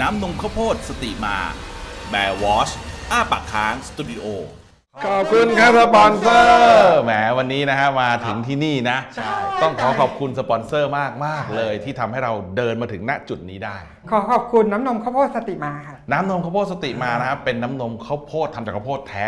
น้ำนมข้าวโพดสติมาแบร์วอชอ้าปากค้างสตูดิโอขอบคุณครับสปอนเซอร์แหมวันนี้นะฮะมาถึงที่นี่นะต้องขอบคุณสปอนเซอร์มากเลยที่ทำให้เราเดินมาถึงณจุดนี้ได้ขอขอบคุณน้ำนมข้าวโพดสติมาค่ะน้ำนมข้าวโพดสติมานะครับเป็นน้ำนมข้าวโพดทำจากข้าวโพดแท้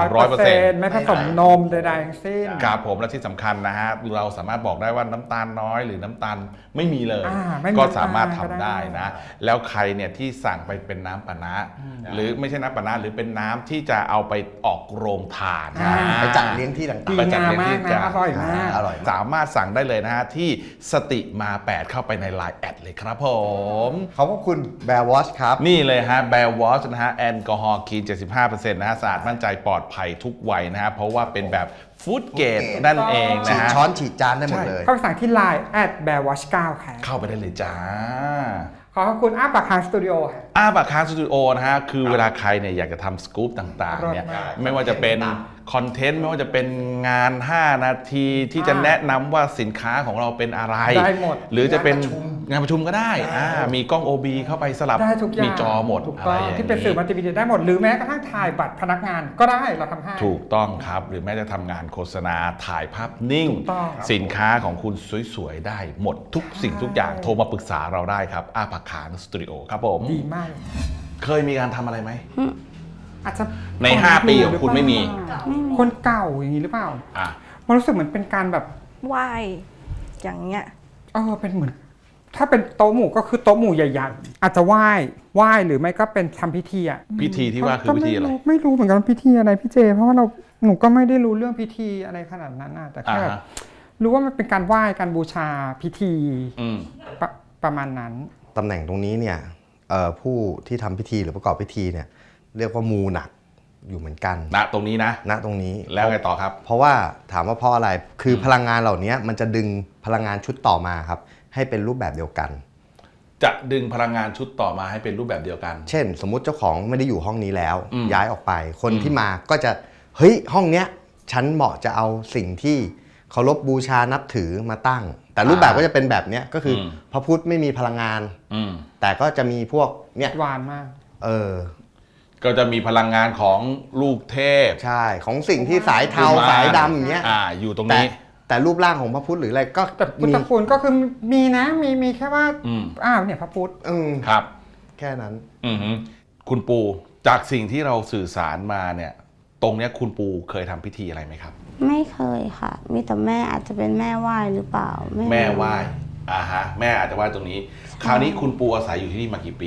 100% ไม่ผสมนมใดๆทั้งสิ้นครับผมและที่สำคัญนะฮะเราสามารถบอกได้ว่าน้ำตาลน้อยหรือน้ำตาลไม่มีเลยก็สามารถทำได้นะแล้วใครเนี่ยที่สั่งไปเป็นน้ำปานะหรือไม่ใช่น้ำปานะหรือเป็นน้ำที่จะเอาไปออกโรงทานไปจัดเลี้ยงที่ต่างๆไปจัดเลี้ยงที่อร่อยมากสามารถสั่งได้เลยนะฮะที่สติมา8เข้าไปใน Line แอดเลยครับผมขอบคุณแบร์วอชครับนี่เลยฮะแบร์วอชนะฮะแอลกอฮอล์คีน 75% นะฮะสะอาดมั่นใจปลอดภัยทุกวัยนะฮะเพราะว่าเป็นแบบฟู้ดเกรดนั่นเองนะฉีดฮะช้อนฉีดจานได้หมดเลยเข้าไปสั่งที่ Line @bearwatch9 ค่ะเข้าไปได้เลยจ้าขอบคุณอ้าปากค้างสตูดิโออ้าปากค้างสตูดิโอนะฮะคือเวลาใครเนี่ยอยากจะทำสกู๊ปต่างๆเนี่ยไม่ว่าจะเป็นคอนเทนต์ไม่ว่าจะเป็นงาน5นาทีที่จะแนะนำว่าสินค้าของเราเป็นอะไรได้หมดหรือจะเป็นงานประชุมก็ได้มีกล้อง OB เข้าไปสลับมีจอหมดอะไรอย่างนี้ที่เป็นสื่อมัลติมีเดียได้หมดหรือแม้กระทั่งถ่ายบัตรพนักงานก็ได้เราทำให้ถูกต้องครับหรือแม้จะทำงานโฆษณาถ่ายภาพนิ่งสินค้าของคุณสวยๆได้หมดทุกสิ่งทุกอย่างโทรมาปรึกษาเราได้ครับอ้าปากค้างสตูดิโอครับผมดีมากเคยมีการทำอะไรไหมอาจจะใน5ปีของคุณไม่มีคนเก่าอย่างนี้หรือเปล่ามันรู้สึกเหมือนเป็นการแบบไหว้อย่างเงี้ยเป็นเหมือนถ้าเป็นโต๊ะหมู่ก็คือโต๊ะหมู่ใหญ่ๆอาจจะไหว้หรือไม่ก็เป็นทำพิธีพิธีที่ว่าคือพิธีอะไรไม่รู้เหมือนกันพิธีอะไรพี่เจเพราะว่าหนูก็ไม่ได้รู้เรื่องพิธีอะไรขนาดนั้นแต่แค่รู้ว่ามันเป็นการไหว้การบูชาพิธีประมาณนั้นตำแหน่งตรงนี้เนี่ยผู้ที่ทำพิธีหรือประกอบพิธีเนี่ยเรียกว่ามูหนักอยู่เหมือนกันณตรงนี้นะณตรงนี้แล้วไงต่อครับเพราะว่าถามว่าเพราะอะไรคือพลังงานเหล่านี้มันจะดึงพลังงานชุดต่อมาครับให้เป็นรูปแบบเดียวกันจะดึงพลังงานชุดต่อมาให้เป็นรูปแบบเดียวกันเช่นสมมุติเจ้าของไม่ได้อยู่ห้องนี้แล้วย้ายออกไปคนที่มาก็จะเฮ้ยห้องเนี้ยฉันเหมาะจะเอาสิ่งที่เคารพบูชานับถือมาตั้งแต่รูปแบบก็จะเป็นแบบเนี้ยก็คือพระพุทธไม่มีพลังงานแต่ก็จะมีพวกเนี้ยหวานมากก็จะมีพลังงานของลูกเทพใช่ของสิ่งที่สายเทาสายดำอย่างเงี้ยอยู่ตรงนี้แต่รูปร่างของพระพุทธหรืออะไรก็แต่พุทธคุณก็คือมีนะมีแค่ว่าเนี่ยพระพุทธครับแค่นั้นคุณปูจากสิ่งที่เราสื่อสารมาเนี่ยตรงเนี้ยคุณปูเคยทำพิธีอะไรไหมครับไม่เคยค่ะมีแต่แม่อาจจะเป็นแม่ไหว้หรือเปล่าแม่ไหว้แม่อาจจะไหว้ตรงนี้คราวนี้คุณปูอาศัยอยู่ที่นี่มากี่ปี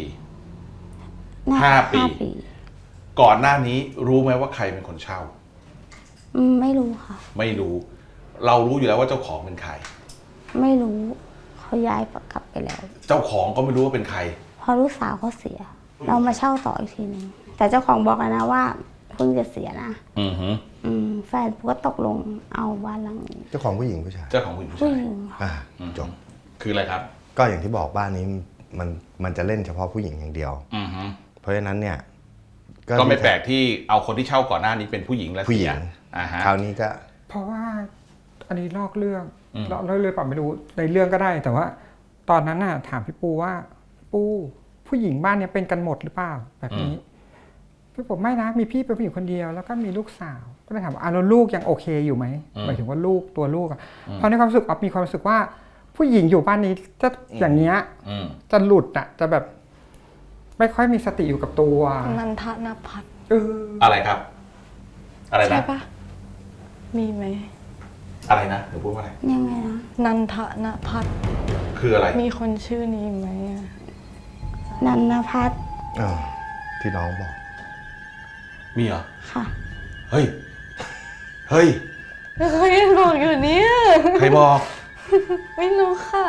5 ปีก่อนหน้านี้รู้ไหมว่าใครเป็นคนเช่าไม่รู้ค่ะไม่รู้เรารู้อยู่แล้วว่าเจ้าของเป็นใครไม่รู้เขาย้ายกลับไปแล้วเจ้าของก็ไม่รู้ว่าเป็นใครพอลูกสาวเขาเสียเรามาเช่าต่ออีกทีนึงแต่เจ้าของบอกนะว่าเพิ่งจะเสียนะแฟนก็ตกลงเอาบ้านหลังนี้เจ้าของผู้หญิงผู้ชายเจ้าของผู้หญิงผู้ชายจบคืออะไรครับก็อย่างที่บอกบ้านนี้มันจะเล่นเฉพาะผู้หญิงอย่างเดียวเพราะฉะนั้นเนี่ยก็ไม่แปลกที่เอาคนที่เช่าก่อนหน้านี้เป็นผู้หญิงและผู้หญิงคราวนี้ก็เพราะว่าอันนี้ลอกเรื่องเปล่าไม่รู้ในเรื่องก็ได้แต่ว่าตอนนั้นน่ะถามพี่ปูว่าปูผู้หญิงบ้านนี้เป็นกันหมดหรือเปล่าแบบนี้พี่ผมไม่นะมีพี่เป็นผู้หญิงคนเดียวแล้วก็มีลูกสาวก็เลยถามว่าแล้วลูกยังโอเคอยู่ไหมหมายถึงว่าลูกตัวลูกเพราะในความรู้สึกมีความรู้สึกว่าผู้หญิงอยู่บ้านนี้จะอย่างเงี้ยจะหลุดจะแบบไม่ค่อยมีสติอยู่กับตัวนันทนภัทรอะไรครับอะไรนะใช่ปะมีไหมอะไรนะหนูพูดว่าอะไรยังไงนะนันทนภัทรคืออะไรมีคนชื่อนี้ไหมนันทภัทรที่น้องบอกมีเหรอค่ะเฮ้ยเขายังบอกอยู่เนี่ยใครบอกไม่รู้ค่ะ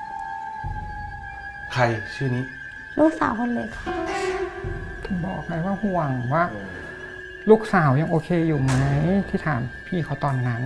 ใครชื่อนี้ลูกสาวคนเล็กค่ะบอกไงว่าห่วงว่าลูกสาวยังโอเคอยู่ไหมที่ถามพี่เขาตอนนั้น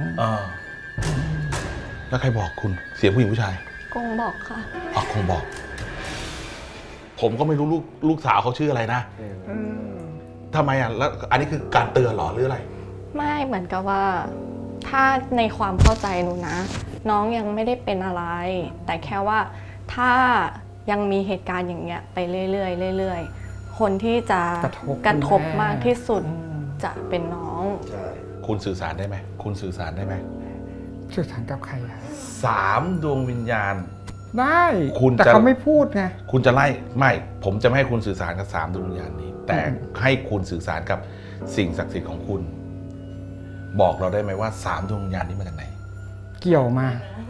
แล้วใครบอกคุณเสียงผู้หญิงผู้ชายกงบอกค่ะคงบอกผมก็ไม่รู้ลูกสาวเขาชื่ออะไรนะทำไมแล้วอันนี้คือการเตือนหรอหรืออะไรไม่เหมือนกับว่าถ้าในความเข้าใจหนูนะน้องยังไม่ได้เป็นอะไรแต่แค่ว่าถ้ายังมีเหตุการณ์อย่างเงี้ยไปเรื่อยๆเรื่อยๆคนที่จะกระทบมากที่สุดจะเป็นน้องคุณสื่อสารได้ไหมคุณสื่อสารได้ไหมสื่อสารกับใครอะ 3 ดวงวิญญาณได้คุณแต่จะเขาไม่พูดไงคุณจะไล่ไม่ผมจะไม่ให้คุณสื่อสารกับ3 ดวงวิญญาณนี้ แต่ให้คุณสื่อสารกับสิ่งศักดิ์สิทธิ์ของคุณ บอกเราได้ไหมว่า3 ดวงวิญญาณนี้มาจากไหนเกี่ยวมา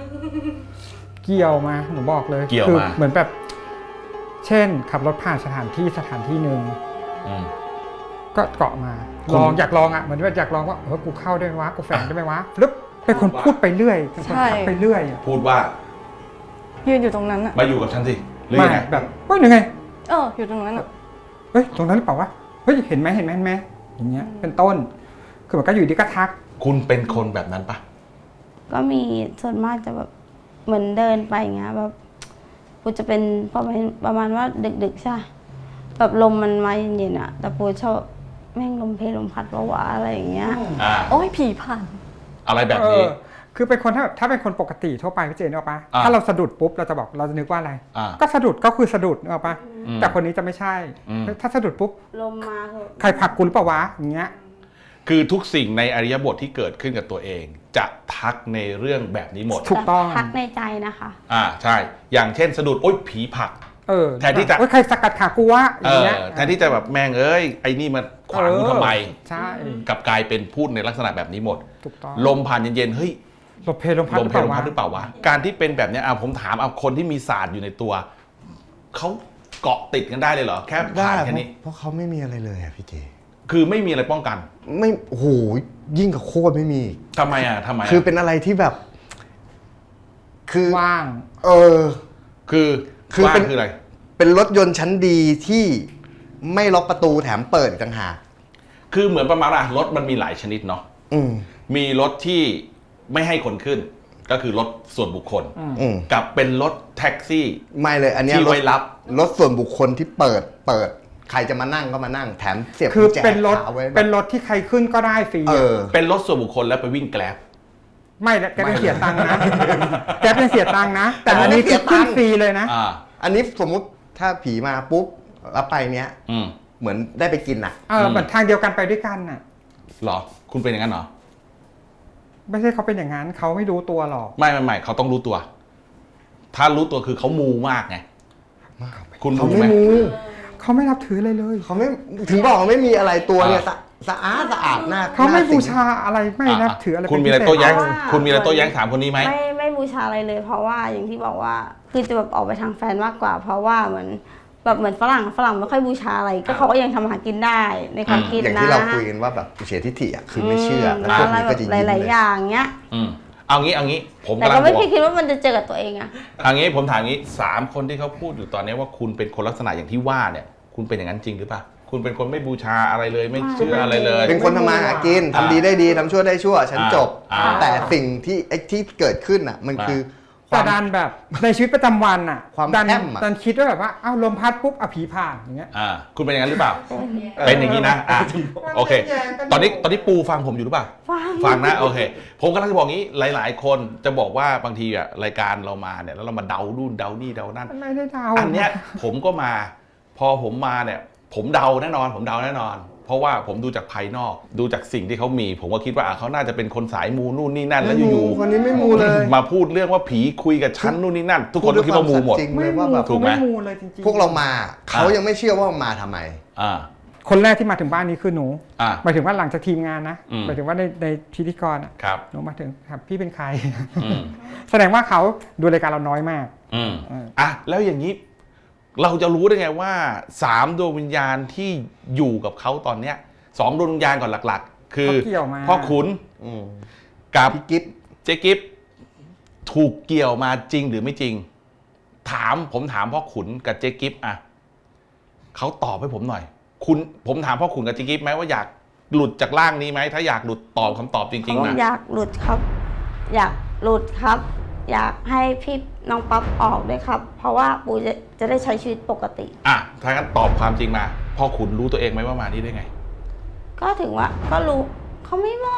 หนูบอกเลยเกี่ยวคืมาเหมือนแบบ เช่น ขับรถผ่านสถานที่หนึ่งอืมก็เกาะมาคุณอยากลองอ่ะเหมือนว่าอยากลองว่ากูเข้าได้ไหมวะกูแฝงได้ไหมวะฟลึบเป็นคนพูดไปเรื่อยเป็นคนใช่ขับไปเรื่อยอะพูดว่ายืนอยู่ตรงนั้นอะมาอยู่กับฉันสิหรือไม่ยังไงแบบเฮ้ยยังไงอยู่ตรงนั้นอะเฮ้ยตรงนั้นหรือเปล่าวะเฮ้ยเห็นไหมอย่างเงี้ยเป็นต้น คือมันก็อยู่ดีก็ทักคุณเป็นคนแบบนั้นปะก็มีส่วนมากจะแบบเหมือนเดินไปอย่างเงี้ยแบบปูจะเป็นประมาณว่าดึกๆใช่ปะแบบลมมันมาเย็นๆอะแต่ปูชอบแม่งลมเพลลมพัดวะอะไรอย่างเงี้ยโอ้ยผีผ่านอะไรแบบนี้คือเป็นคนถ้าเป็นคนปกติทั่วไปพี่เจนนึกออกปะอ่าถ้าเราสะดุดปุ๊บเราจะบอกเราจะนึกว่าอะไรอ่าก็สะดุดก็คือสะดุดนึกออกปะอืมแต่คนนี้จะไม่ใช่อืมถ้าสะดุดปุ๊บลมมาคือใครผลักกูหรือเปล่าวะอย่างเงี้ยคือทุกสิ่งในอริยบทที่เกิดขึ้นกับตัวเอง จะทักในเรื่องแบบนี้หมดถูกต้องพักในใจนะคะใช่ อย่างเช่นสะดุดโอ๊ยผีผลัก แทนที่จะโอ๊ยใครสกัดขากูวะอย่างเงี้ยแทนที่จะแบบแม่งเอ้ยไอ้นี่มันขวางกูทำไมใช่กลับกลายเป็นพูดในลักษณะแบบนี้หมดถูกต้องลมผ่านเย็นๆเฮ้ยลมเพลลมพัดลมเพลลมพัดหหรืรือ อเปเปล่าล่าวะการที่เป็นแบบเนี้ยผมถามเอาคนที่มีศาสตร์อยู่ในตัวเขาเกาะติดกันได้เลยเหรอแค่ได้ผ่านแค่นี้เพราะเขาไม่มีอะไรเลยอะพี่เจคือไม่มีอะไรป้องกันไม่โอ้โหยิ่งกับโคตรไม่มีทำไมอ่ะคือเป็นอะไรที่แบบ คือว่างเออคือคือว่าเป็นคืออะไรเป็นรถยนต์ชั้นดีที่ไม่ล็อกประตูแถมเปิดอีกต่างหากคือเหมือนประมาณว่ารถมันมีหลายชนิดเนาะอืมมีรถที่ไม่ให้คนขึ้น ก็คือรถส่วนบุคคลอืมกับเป็นรถแท็กซี่ไม่เลย อันเนี้ยที่ไว้รับรถส่วนบุคคลที่เปิด ใครจะมานั่งก็มานั่งแถมเสียบคือกุญแจเป็นรถคาไว้แบบเป็นรถที่ใครขึ้นก็ได้ฟรีเออะอเป็นรถส่วนบุคคลแล้วไปวิ่งแกร็บไม่แกเป็นเสียตังค์นะแกเป็นเสียตังค์นะ แต่อันนี้คือขึ้นฟรีเลยนะอันนี้สมมุติถ้าผีมาปุ๊บแล้วไปเนี้ย เหมือนได้ไปกินอ่ะเหมือนทางเดียวกันไปด้วยกันน่ะหรอ คุณเป็นอย่างนั้นเหรอไม่ใช่เขาเป็นอย่างนั้นเขาไม่รู้ตัวหรอกไม่เขาต้องรู้ตัว ถ้ารู้ตัวคือเขามูมากไง คุณเขามูไม่ไหมมูเขาไม่นับถืออะไรเลยเขาไม่ถึงบอกเขาไม่มีอะไรตัวเนี่ยสะอาดหน้าเขาไม่หน้บูสิงชาอะไรไม่นับถืออะไรคุณมีอะไรเป็นโต้พิเศษแย้งเพราะว่าคุณมีอะไรโต้แย้งถามคนนี้ไหมไม่บูชาอะไรเลย เพราะว่าอย่างที่บอกว่าคือจะแบบออกไปทางแฟนมากกว่า เพราะว่าเหมือนฝรั่งไม่ค่อยบูชาอะไรก็เขาก็ยังทำอาหากินได้ในความคิดอย่างนะที่เราคุยกันว่าแบบอุเฉทิฐิอ่ะคือไม่เชื่อแล้วพวกอะไรนี้แบก็บจะยิ้มหเลลายยๆอย่างเงี้ยเอางี้ ผมแต่กำลัก็งไม่บอกคิดว่ามันจะเจอกับตัวเองอะเอางี้ผมถามงี้3 คนที่เขาพูดอยู่ตอนนี้ว่าคุณเป็นคนลักษณะอย่างที่ว่าเนี่ย คุณเป็นอย่างนั้นจริงหรือเปล่า คุณเป็นคนไม่บูชาอะไรเลย ไม่เชื่ออะไรเลยเป็นคนทำมาหากินทำดีได้ดีทำชั่วได้ชั่ว ฉันจบ แต่สิ่งที่ที่เกิดขึ้นอ่ะ มันคือคแต่วามดันแบบในชีวิตประจำวันอ่ะความดันแช่มอะดันคิดว่าแบบว่าเอ้าลมพัดปุ๊บผีผ่านอย่างเงี้ยคุณเป็นอย่างนั้นหรือเปล่า เป็นอย่างนี้นะโอเค ตอนนี้ปูฟังผมอยู่หรือเปล่า ฟังนะโอเค ผมกำลังจะบอกงี้หลาย ๆ คนจะบอกว่าบางทีอะรายการเรามาเนี่ยแล้วเรามาเดานู่นเดานี่เดานั่นไม่ได้เดาอันเนี้ยผมก็มาพอผมมาเนี่ยผมเดาแน่นอน เพราะว่าผมดูจากภายนอกดูจากสิ่งที่เขามี ผมก็คิดว่าเขาน่าจะเป็นคนสายมูนู่นนี่นั่นแล้วอยู่คนนี้ไม่มูเลยมาพูดเรื่องว่าผีคุยกับฉันนู่นนี่นั่น ทุกคนก็คิดว่ามูหมดจริงไม่เลยมูว่าแบบถูกไหมเขาไม่มูเลยจริงๆพวกเรามาเขายังไม่เชื่อว่ามาทำไมคนแรกที่มาถึงบ้านนี้คือหนูอ่าหมายถึงว่าหลังจากทีมงานนะอืมหมายถึงว่าในพิธีกรอะครับหนูมาถึงครับพี่เป็นใครอืมแสดงว่าเขาดูรายการเราน้อยมากแล้วอย่างนี้เราจะรู้ได้ไงว่า3 ดวงวิญญาณที่อยู่กับเขาตอนเนี้ย2 ดวงวิญญาณก่อนหลักๆ คือเขาเกี่ยวมาพ่อขุนอืมกับพี่กิ๊บเจ๊กิฟถูกเกี่ยวมาจริงหรือไม่จริง ผมถามพ่อขุนกับเจ๊กิฟอะเขาตอบให้ผมหน่อย ผมถามพ่อขุนกับเจ๊กิฟไหมว่าอยากหลุดจากร่างนี้ไหมถ้าอยากหลุดตอบคำตอบจริงๆนะอยากหลุดครับ อยากหลุดครับ อยากให้พี่น้องปั๊บออกด้วยครับ เพราะว่าปูจะได้ใช้ชีวิตปกติถ้างั้นตอบความจริงมาพ่อขุนรู้ตัวเองไหมว่ามานี่ได้ไงก็ถึงว่าก็รู้เขาไม่บอก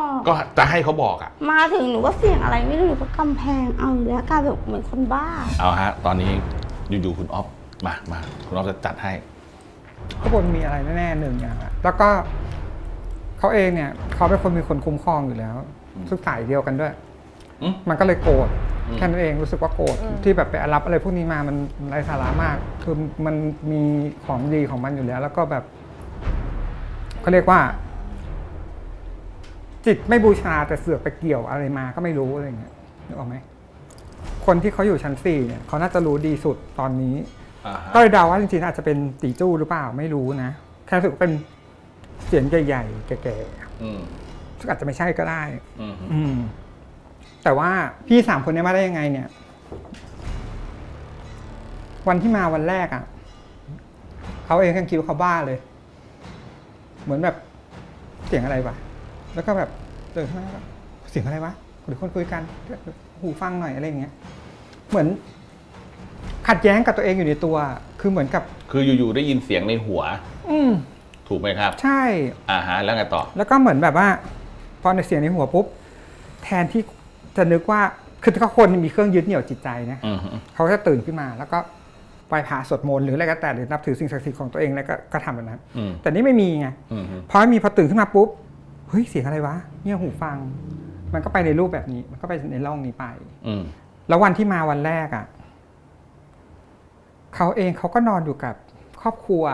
ก็จะให้เขาบอกมาถึงหนูก็เสี่ยงอะไรไม่รู้หนูก็กำแพงเอาอยู่แล้วกลายแบบเหมือนคนบ้าเอาฮะตอนนี้อยู่ๆคุณอ๊อฟมาคุณอ๊อฟจะจัดให้ข้างบนมีอะไรแน่ๆหนึ่งอย่างอะแล้วก็เขาเองเนี่ยเขาเป็นคนมีคนคุ้มครองอยู่แล้วซึ่งสายเดียวกันด้วย มันก็เลยโกรธแค่นั้นเองรู้สึกว่าโกรธที่แบบไปรับอะไรพวกนี้มามันไร้สาระมากคือมันมีของดีของมันอยู่แล้ว แล้วก็แบบเขาเรียกว่า จิตไม่บูชาแต่เสือกไปเกี่ยวอะไรมาก็ไม่รู้อะไรเงี้ยนึกออกไหมคนที่เขาอยู่ชั้น4เนี่ยเขาน่าจะรู้ดีสุดตอนนี้ก็เลยเดาว่าจริงๆอาจจะเป็นตีจู้หรือเปล่าไม่รู้นะแค่รู้สึกเป็นเสียงใหญ่ๆแก่ๆซึ่งอาจจะไม่ใช่ก็ได้แต่ว่าพี่3คนนี้มาได้ยังไงเนี่ยวันที่มาวันแรกอ่ะเขาเองยังคิดว่าเขาบ้าเลยเหมือนแบบเสียงอะไรวะแล้วก็แบบเดินขึ้นมาแบบเสียงอะไรวะหรือคนคุยกันหูฟังหน่อยอะไรอย่างเงี้ยเหมือนขัดแย้งกับตัวเองอยู่ในตัวคือเหมือนกับคืออยู่ๆได้ยินเสียงในหัวถูกไหมครับใช่แล้วไงต่อแล้วก็เหมือนแบบว่าพอในเสียงในหัวปุ๊บแทนที่จะนึกว่าคือถ้าคนมีเครื่องยึดเหนี่ยวจิตใจนะเขาจะตื่นขึ้นมาแล้วก็ไหว้พระสวดมนต์หรืออะไรก็แต่หรือนับถือสิ่งศักดิ์สิทธิ์ของตัวเองแล้วก็ทำแบบนั้นแต่นี่ไม่มีไงพอตื่นขึ้นมาปุ๊บเฮ้ยเสียงอะไรวะเนี่ยหูฟังมันก็ไปในรูปแบบนี้มันก็ไปในร่องนี้ไปแล้ววันที่มาวันแรกอ่ะเขาเองเขาก็นอนอยู่กับครอบครัว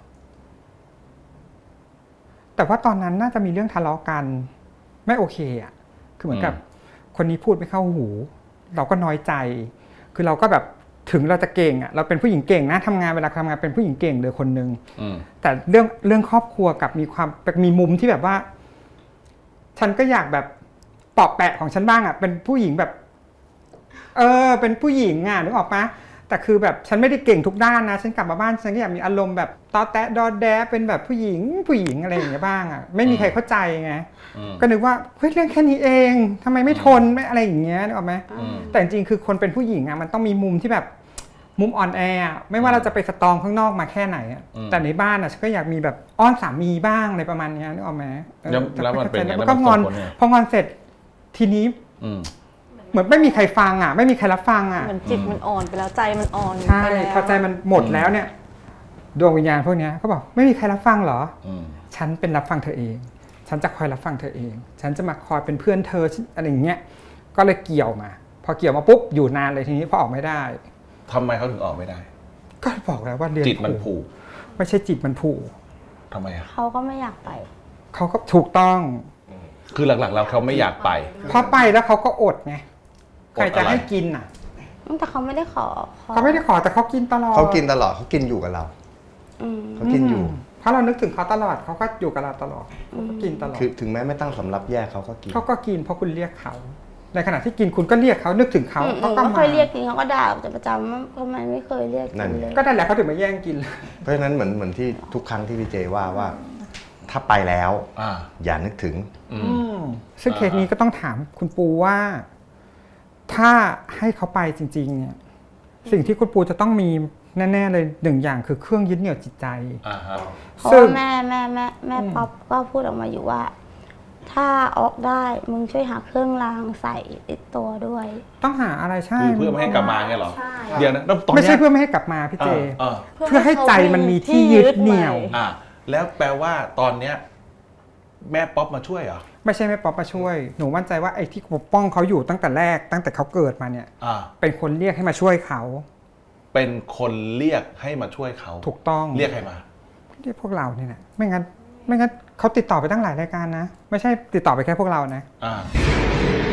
แต่ว่าตอนนั้นน่าจะมีเรื่องทะเลาะกันไม่โอเคอ่ะคือเหมือนกับคนนี้พูดไม่เข้าหูเราก็น้อยใจคือเราก็แบบถึงเราจะเก่งอ่ะเราเป็นผู้หญิงเก่งนะทำงานเวลาทำงานเป็นผู้หญิงเก่งเลยคนนึงแต่เรื่องครอบครัวกับมีมุมที่แบบว่าฉันก็อยากแบบเปาะแปะของฉันบ้างอ่ะเป็นผู้หญิงแบบเป็นผู้หญิงอ่ะนึกออกปะแต่คือแบบฉันไม่ได้เก่งทุกด้านนะฉันกลับมาบ้านฉันก็อยากมีอารมณ์แบบตอแตะดอแดะเป็นแบบผู้หญิงอะไรอย่างเงี้ยบ้างอ่ะไม่มีใครเข้าใจไงก็นึกว่าเฮ้ยเรื่องแค่นี้เองทำไมไม่ทนไม่อะไรอย่างเงี้ยนึกออกไหมแต่จริงๆคือคนเป็นผู้หญิงอ่ะมันต้องมีมุมที่แบบมุมอ่อนแอไม่ว่าเราจะไปสตรองข้างนอกมาแค่ไหนแต่ในบ้านอ่ะฉันก็อยากมีแบบอ้อนสามีบ้างอะไรประมาณนี้นึกออกไหมแล้วมันเป็นไงแล้วก็งอนพองอนเสร็จทีนี้เหมือนไม่มีใครฟังอ่ะไม่มีใครรับฟังอ่ะเหมือนจิตมันอ่อนไปแล้วใจมันอ่อนใช่พอใจมันหมดแล้วเนี่ยดวงวิญญาณพวกนี้เขาบอกไม่มีใครรับฟังเหรอฉันเป็นรับฟังเธอเองฉันจะคอยรับฟังเธอเองฉันจะมาคอยเป็นเพื่อนเธออะไรอย่างเงี้ยก็เลยเกี่ยวมาพอเกี่ยวมาปุ๊บอยู่นานเลยทีนี้พอออกไม่ได้ทำไมเขาถึงออกไม่ได้ก็บอกแล้วว่าเรียนจิตมันผูกไม่ใช่จิตมันผูกทำไมอ่ะเขาก็ไม่อยากไปเขาก็ถูกต้องคือหลักๆแล้วเขาไม่อยากไปพอไปแล้วเขาก็อดไงใครจะให้กินอ่ะแต่เขาไม่ได้ขอเขาไม่ได้ขอแต่เขากินตลอดเขากินตลอดเขากินอยู่กับเราเขากินอยู่เพราะเรานึกถึงเขาตลอดเขาก็อยู่กับเราตลอดเขาก็กินตลอดคือถึงแม้ไม่ตั้งสำรับแยกเขาก็กินเพราะคุณเรียกเขาในขณะที่กินคุณก็เรียกเขานึกถึงเขาเขาก็ไม่เคยเรียกกินเขาก็ด่าจะประจำว่าทำไมไม่เคยเรียกกินเลยก็นั่นแหละเขาถึงมาแย่งกินเพราะฉะนั้นเหมือนที่ทุกครั้งที่พี่เจว่าถ้าไปแล้วอย่านึกถึงซึ่งเคสนี้ก็ต้องถามคุณปูว่าถ้าให้เขาไปจริงๆเนี่ยสิ่งที่คุณปูจะต้องมีแน่ๆเลยหนึ่งอย่างคือเครื่องยึดเหนี่ยวจิตใจเพราะแม่ป๊อปก็พูดออกมาอยู่ว่าถ้าออกได้มึงช่วยหาเครื่องรางใส่ติดตัวด้วยต้องหาอะไรใช่เพื่อไม่ให้กลับมาไงหรอเดี๋ยวนะไม่ใช่เพื่อไม่ให้กลับมาพี่เจเพื่อให้ใจมันมีที่ยึดเหนี่ยวแล้วแปลว่าตอนเนี้ยแม่ป๊อปมาช่วยเหรอไม่ใช่แม่ป๊อปมาช่วยหนูมั่นใจว่าไอ้ที่ปกป้องเขาอยู่ตั้งแต่แรกตั้งแต่เขาเกิดมาเนี่ยเป็นคนเรียกให้มาช่วยเขาเป็นคนเรียกให้มาช่วยเขาถูกต้องเรียกใครมาเรียกพวกเรานี่แหละไม่งั้นเขาติดต่อไปตั้งหลายรายการนะไม่ใช่ติดต่อไปแค่พวกเรานะ